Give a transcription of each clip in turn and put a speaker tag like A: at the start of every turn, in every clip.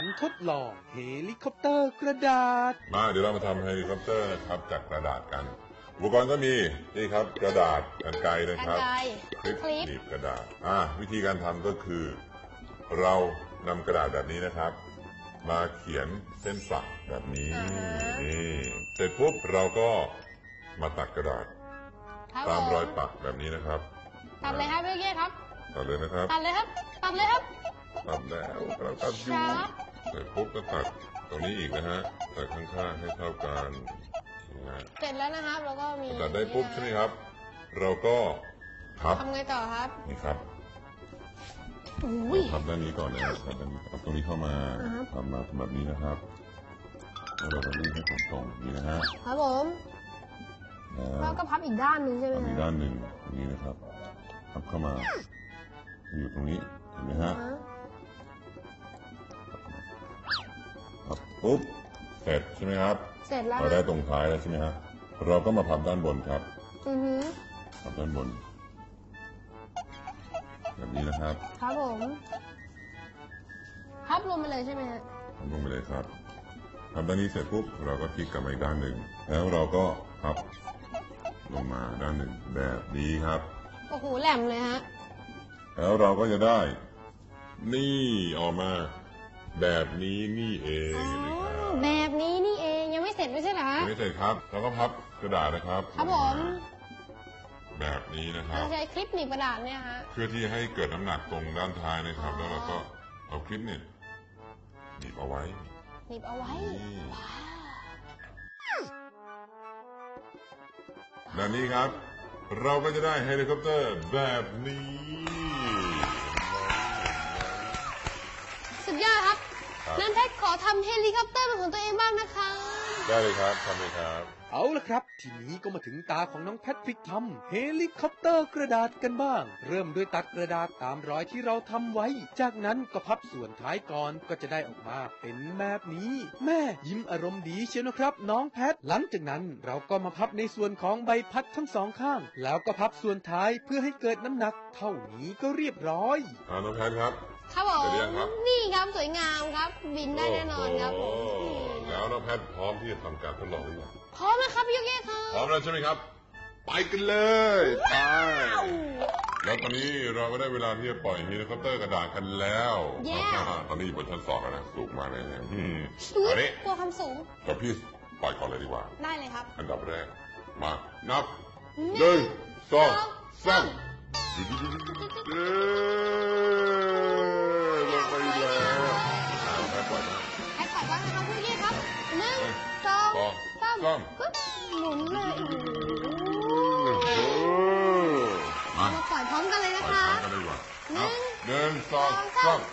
A: การทดลองเฮลิคอปเตอร์กระดาษ
B: มาเดี๋ยวเรามาทำเฮลิคอปเตอร์นะครับจากกระดาษกันอุปกรณ์ก็มีนี่ครับกระดาษกรรไกรนะครับคลิปหนีบกระดาษวิธีการทำก็คือเรานำกระดาษแบบนี้นะครับมาเขียนเส้นฝักแบบนี้นี่เสร็จปุ๊บเราก็มาตัดกระดาษตามรอยปักแบบนี้นะครับ
C: ตัดเลยครับพี่เกียครับ
B: ตัดเลยนะครับ
C: ตัดเลยครับตัดเลยครับ
B: ตัดแล้วเราตัดอยู่เสร็จปุ๊บก็ตัดตรงนี้อีกนะฮะตัดข้างๆให้เท่ากัน
C: เสร็จแล้วนะครับแล้วก็มี
B: ตัดได้ปุ๊บใช่ไหมครับเราก็พับ
C: ทำไงต่อครับ
B: นี่ครับพับด้านนี้ก่อนนะครับพับด้านนี้เอาตรงนี้เข้ามาทำมาแบบนี้นะครับแล้วเราจะรีดให้ตรงๆนี่นะฮะ
C: ครับผมแล้วก็พับอีกด้านหนึ่งใช่ไหม
B: อีกด้านหนึ่งอย่างนี้นะครับพับเข้ามาอยู่ตรงนี้เห็นไหมฮะพับปุ๊บเสร็จใช่ไหมครับ
C: เสร็จแล้ว
B: เราได้ตรงท้ายแล้วใช่ไหมฮะเราก็มาพับด้านบนครับพับด้านบนแบบนี้นะครับ
C: ครับผมพับลงไปเลยใช่ไหมฮะ
B: พับลงไปเลยครับพับด้านนี้เสร็จปุ๊บเราก็พลิกกลับมาอีกด้านหนึ่งแล้วเราก็พับลงมาด้านหนึ่งแบบนี้ครับ
C: โอ้โหแหลมเลยฮะ
B: แล้วเราก็จะได้นี่ออกมาแบบนี้นี่เอง
C: แบบนี้นี่เองยังไม่เสร็จไม่ใช่เหรอ
B: ยังไม่เสร็จครับเราก็พับกระดาษนะครับ
C: ครับผม
B: แบบนี้นะครับ
C: ใช้คลิปหนีบกระดาษเนี่ยฮะ
B: เพื่อที่ให้เกิดน้ำหนักตรงด้านท้ายนะครับแล้วเราก็เอาคลิปเนี่ยหนีบเอาไว้
C: หนีบเอาไว้
B: แบบนี้ครับเราก็จะได้เฮลิคอปเตอร์แบบนี้
C: สุดยอดครับนั้นแพทย์ขอทำเฮลิคอปเตอร์เป็นของตัวเองบ้างนะคะ
B: ได้เลยครับทำเลยครับ
A: เอาละครับทีนี้ก็มาถึงตาของน้องแพทริกทำเฮลิคอปเตอร์กระดาษกันบ้างเริ่มด้วยตัดกระดาษตามรอยที่เราทำไว้จากนั้นก็พับส่วนท้ายก่อนก็จะได้ออกมาเป็นแบบนี้แม่ยิ้มอารมณ์ดีเชียวนะครับน้องแพทหลังจากนั้นเราก็มาพับในส่วนของใบพัดทั้งสองข้างแล้วก็พับส่วนท้ายเพื่อให้เกิดน้ำหนักเท่านี้ก็เรียบร้อย
B: น้องแพทครับ
C: ครับผมนี่ครับสวยงามครับบินได้แน่นอนครับผม
B: แล้วน้องแพทพร้อมที่จะทำการทดลองหรือยัง
C: พร้อมแล้วครับพี่โยเกะครับ
B: พร้อมแล้วใช่ไหมครับไปกันเลยไปแล้วตอนนี้เราก็ได้เวลาที่จะปล่อยเฮลิคอปเตอร์กระดาษกันแล้วตอนนี้อยู่บนชั้น2แล้วนะสูงมากเลย
C: ตอนนี้กลัวความสูง
B: กับพี่ปล่อยก่อนเลยดีกว่า
C: ได้เลยครับ
B: อันดับแรกมานับ1 2 3ลงไปแล้วให้ปล่อย
C: บ้างนะครับพี่โยเกะครับ1 2 3หมุนเลยมาปล่อยพร้อมกันเลยนะคะ
B: 1 2 3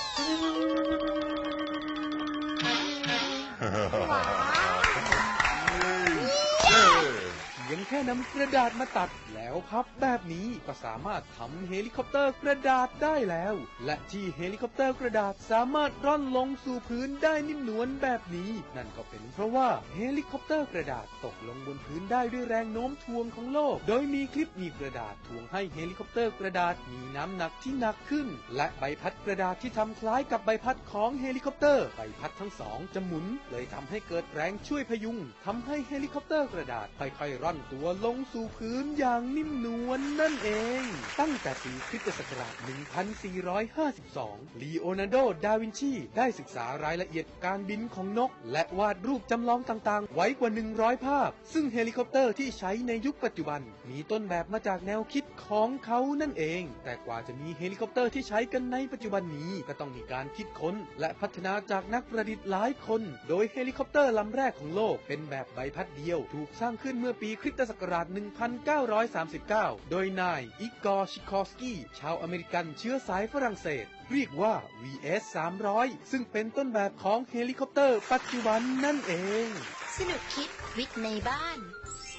A: ยังแค่นำกระดาษมาตัดแล้วพับแบบนี้ก็สามารถทำเฮลิคอปเตอร์กระดาษได้แล้วและที่เฮลิคอปเตอร์กระดาษสามารถร่อนลงสู่พื้นได้นิ่มนวลแบบนี้นั่นก็เป็นเพราะว่าเฮลิคอปเตอร์กระดาษตกลงบนพื้นได้ด้วยแรงโน้มถ่วงของโลกโดยมีคลิปหนีบกระดาษถ่วงให้เฮลิคอปเตอร์กระดาษมีน้ำหนักที่หนักขึ้นและใบพัดกระดาษที่ทำคล้ายกับใบพัดของเฮลิคอปเตอร์ใบพัดทั้งสองจะหมุนเลยทำให้เกิดแรงช่วยพยุงทำให้เฮลิคอปเตอร์กระดาษค่อยๆร่อนตัวลงสู่พื้นอย่างนิ่มนวลนั่นเองตั้งแต่ปีคริสตศักราช 1452 ลีโอนาร์โด ดาวินชีได้ศึกษารายละเอียดการบินของนกและวาดรูปจำลองต่างๆไว้กว่า 100 ภาพซึ่งเฮลิคอปเตอร์ที่ใช้ในยุคปัจจุบันมีต้นแบบมาจากแนวคิดของเขานั่นเองแต่กว่าจะมีเฮลิคอปเตอร์ที่ใช้กันในปัจจุบันนี้ก็ต้องมีการคิดค้นและพัฒนาจากนักประดิษฐ์หลายคนโดยเฮลิคอปเตอร์ลำแรกของโลกเป็นแบบใบพัดเดียวถูกสร้างขึ้นเมื่อปีคริสตศักราช 1939 โดยนายอิกอร์ ชิคอฟสกี้ชาวอเมริกันเชื้อสายฝรั่งเศสเรียกว่า VS-300 ซึ่งเป็นต้นแบบของเฮลิคอปเตอร์ปัจจุบันนั่นเอง
D: สนุกคิดวิทย์ในบ้าน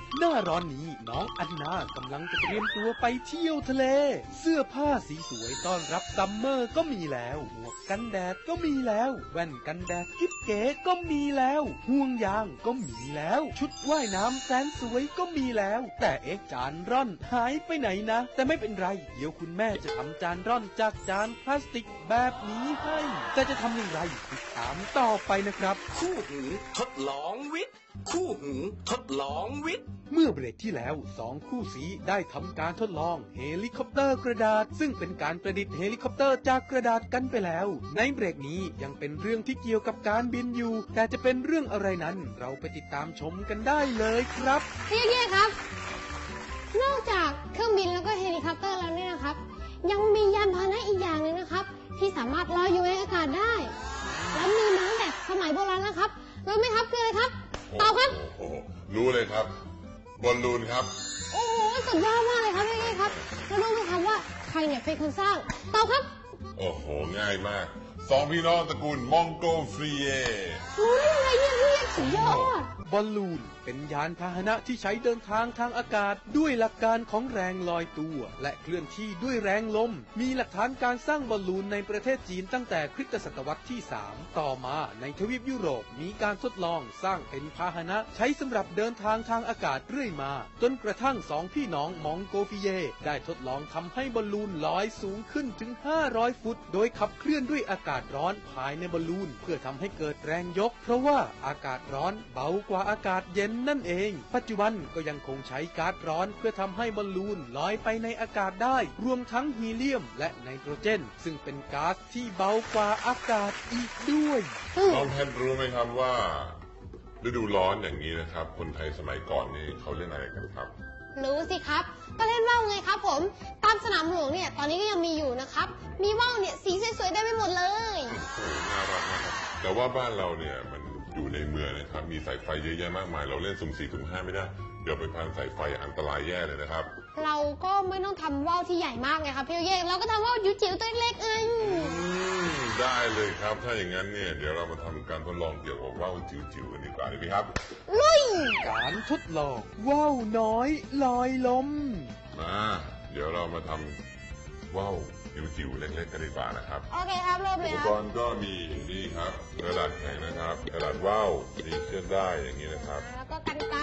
A: หน้าร้อนนี้น้องอันนากำลังจะเตรียมตัวไปเที่ยวทะเลเสื้อผ้าสีสวยต้อนรับซัมเมอร์ก็มีแล้วหมวกกันแดดก็มีแล้วแว่นกันแดดกิ๊บเก๋ก็มีแล้วห่วงยางก็มีแล้วชุดว่ายน้ำแสนสวยก็มีแล้วแต่จานร่อนหายไปไหนนะแต่ไม่เป็นไรเดี๋ยวคุณแม่จะทำจานร่อนจากจานพลาสติกแบบนี้ให้แต่จะทำอย่างไรติดตามต่อไปนะครับ
D: คู่หูทดลองวิทย์ คู่หูทดลองวิทย์
A: เมื่อเบรกที่แล้ว2คู่สีได้ทำการทดลองเฮลิคอปเตอร์กระดาษซึ่งเป็นการประดิษฐ์เฮลิคอปเตอร์จากกระดาษกันไปแล้วในเบรกนี้ยังเป็นเรื่องที่เกี่ยวกับการบินอยู่แต่จะเป็นเรื่องอะไรนั้นเราไปติดตามชมกันได้เลยครับ
C: พี่เย่ครับ นอกจากเครื่องบินแล้วก็เฮลิคอปเตอร์แล้วเนี่ยนะครับ ยังมียานพาหนะอีกอย่างหนึ่งนะครับ ที่สามารถลอยอยู่ในอากาศได้ แล้วมีมาตั้งแต่สมัยโบราณนะครับรู้ไหมครับคืออะไรครับตอบครับ
B: โอ้โหรู้เลยครับบอลลูนครับ
C: โอ้โหสุดยอดมากเลยครับพี่เย่ครับแล้วรู้ไหมครับว่าใครเนี่ยเป็นคนสร้างตอบครับ
B: โอ้โหง่ายมากสองพี่น้องตระกูลมองโกฟรีเย
C: รู้ได้ไงเนี่ยพี่เย่สุดยอด
A: บอลลูนเป็นยานพาหนะที่ใช้เดินทางทางอากาศด้วยหลักการของแรงลอยตัวและเคลื่อนที่ด้วยแรงลมมีหลักฐานการสร้างบอลลูนในประเทศจีนตั้งแต่คริสตศตวรรษที่ 3 ต่อมาในทวีปยุโรปมีการทดลองสร้างเป็นพาหนะใช้สำหรับเดินทางทางอากาศเรื่อยมาจนกระทั่งสองพี่น้องมองโกฟิเยได้ทดลองทำให้บอลลูนลอยสูงขึ้นถึง500 ฟุตโดยขับเคลื่อนด้วยอากาศร้อนภายในบอลลูนเพื่อทำให้เกิดแรงยกเพราะว่าอากาศร้อนเบากว่าอากาศเย็นนั่นเองปัจจุบันก็ยังคงใช้ก๊าซร้อนเพื่อทำให้บอลลูนลอยไปในอากาศได้รวมทั้งฮีเลียมและไนโตรเจนซึ่งเป็นก๊าซที่เบากว่าอากาศอีกด้วย
B: น้องแพทรู้ไหมครับว่าฤดูร้อนอย่างนี้นะครับ คนไทยสมัยก่อนนี่เขาเล่นอะไรกันครับ
C: รู้สิครับก็เล่นว่าวไงครับผมตามสนามหลวงเนี่ยตอนนี้ก็ยังมีอยู่นะครับมีว่าวเนี่ยสีสวยๆได้ไปหมดเลย
B: โอ้โหน่ารักมากครับแต่ว่าบ้านเราเนี่ยมันอยู่ในเมืองนะครับมีสายไฟเยอะแยะมากมายเราเล่นสุ่ม4สุ่ม5ไม่ได้เดี๋ยวไปพันสายไฟอันตรายแย่เลยนะครับ
C: เราก็ไม่ต้องทำว่าวที่ใหญ่มากไงครับพี่เย่เราก็ทำว่าวจิ๋วๆตัวเล็กๆเอง
B: ได้เลยครับถ้าอย่างนั้นเนี่ยเดี๋ยวเรามาทำการทดลองเกี่ยวกับว่าวจิ๋วๆกันดีกว่าดีไหมครับ
C: ลุย
A: การทดลองว่าวน้อยลอยลม
B: มาเดี๋ยวเรามาทำว่าวจิ๋วๆเล็กๆกันดีกว่านะครับ
C: โอเคครับเริ่มเล
B: อุ
C: ย
B: ป
C: ค
B: ก
C: รับ
B: รณ์ก็มีนี่ครับกระดาษแข็งนะครับกระดาษว่าวมีเชือกได้อย่างนี้นะครับ
C: แล้วก็กันไกร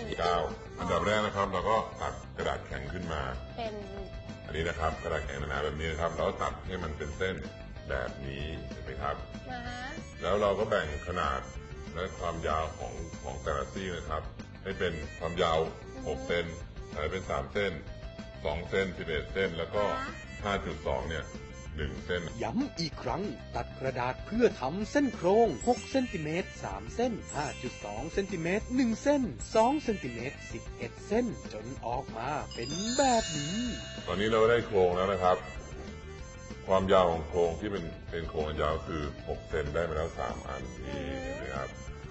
B: 9อันดับแรกนะครับเราก็ตัดกระดาษแข็งขึ้นมา
C: เป็น
B: อันนี้นะครับกระดาษแข็งหนาๆแบบนี้นะครับแล้วตัดให้มันเป็นเส้นแบบนี้เห็นไหมครับ
C: นะฮะ
B: แล้วเราก็แบ่งขนาดและความยาวของแต่ละซี่นะครับ ให้เป็นความยาว 6 เซนให้เป็น 3 เส้น 2 เส้น 11 เส้น แล้วก็ 5.2 เนี่ย 1 เส้น
A: ย้ำอีกครั้งตัดกระดาษเพื่อทำเส้นโครง6เซนติเมตร3เส้น 5.2 เซนติเมตร1เส้น2เซนติเมตร11 เส้นจนออกมาเป็นแบบนี้
B: ตอนนี้เราได้โครงแล้วนะครับ ความยาวของโครงที่เป็นโครงอันยาวคือ 6 เซนได้มาแล้ว 3 อันนี่เห็นไหมครับ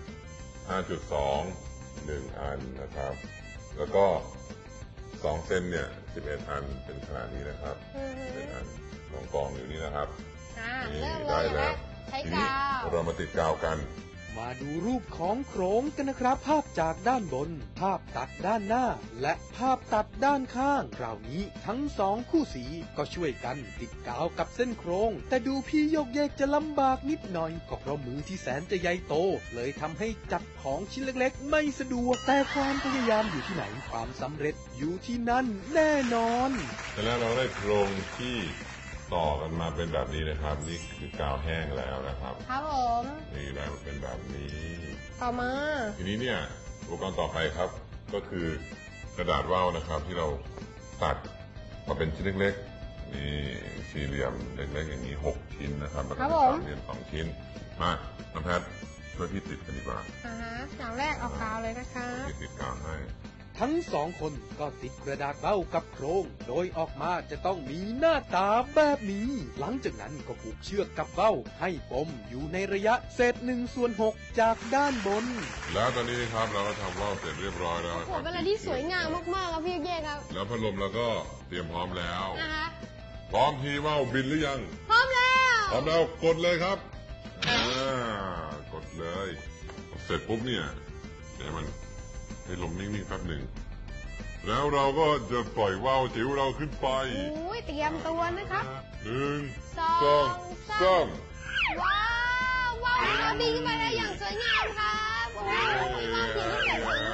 B: 5.2 1 อันนะครับ แล้วก็ 2 เซนเนี่ย 11 อันเป็นขนาดนี้นะครับ เป็นอันกองอยู่นี่นะครับ นี่
C: เริ่มเล
B: ได้
C: ย
B: แล้ว
C: นะใช้
B: ที
C: ก
B: นี้
C: าว
B: เรามาติดกาวกัน
A: มาดูรูปของโครงกันนะครับ ภาพจากด้านบน ภาพตัดด้านหน้า และภาพตัดด้านข้างคราวนี้ทั้ง2คู่สีก็ช่วยกันติดกาวกับเส้นโครง แต่ดูพี่โยกเยกจะลำบากนิดหน่อยก็เพราะมือที่แสนจะใหญ่โต เลยทำให้จับของชิ้นเล็กๆ ไม่สะดวกแต่ความพยายามอยู่ที่ไหนความสำเร็จอยู่ที่นั่นแน่นอน
B: แต่แล้วเราได้โครงที่ต่อกันมาเป็นแบบนี้นะครับ นี่คือกาวแห้งแล้วนะครับ
C: ครับผม
B: นี่แล้วเป็นแบบนี้
C: ต่อมา
B: ทีนี้เนี่ยอุปกรณ์ต่อไปครับ ก็คือกระดาษว่าวนะครับ ที่เราตัดมาเป็นชิ้นเล็กๆนี่สี่เหลี่ยมเล็กๆอย่างนี้6 ชิ้นนะครับแล้วก็เป็นสามเหลี่ยม2 ชิ้นมาน้องแพทช่วยพี่ติดกันดีกว่า
C: อย่างแรกเอากาวเลยนะคะ
B: พี่ติดกาวให้
A: ทั้ง2คนก็ติดกระดาษเบ้ากับโครง โดยออกมาจะต้องมีหน้าตาแบบนี้ หลังจากนั้นก็ผูกเชือกกับเบ้าให้ปมอยู่ในระยะเศษ1/6จากด้านบน
B: แล้วตอนนี้ครับเราก็ทำว่าวเสร็จเรียบร้อยแล้วนะ
C: โอ้
B: ค
C: โห
B: รับ
C: เป็นอะไรที่สวยงามมากๆครับพี่เย่ครับ
B: แล้วพัดลมเราก็เตรียมพร้อมแล้ว
C: นะคะ
B: พร้อมทีว่าวบินหรือยัง
C: พร้อมแล้ว
B: พร้อมแล้วกดเลยครับกดเลย เสร็จปุ๊บเนี่ยเดี๋ยวมันให้ลมนิ่งๆแป๊บหนึ่งแล้วเราก็จะปล่อยว่าวจิ๋วเราขึ้นไป
C: โอ้ยเตรียมตัวนะครับ
B: 1
C: สอง
B: 2
C: สาม ว้าวว้าวเราบินขึ้นไปได้อย่างสวยงามครับโอ้ยว้าวสีนี่สวยมาก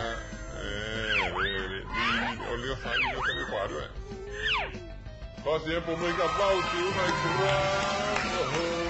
B: เอาเลี้ยวซ้ายเลี้ยวซ้ายขวาด้วยขอเสียงปรบมือกับว่าวจิ๋วหน่อยครับโอ้โห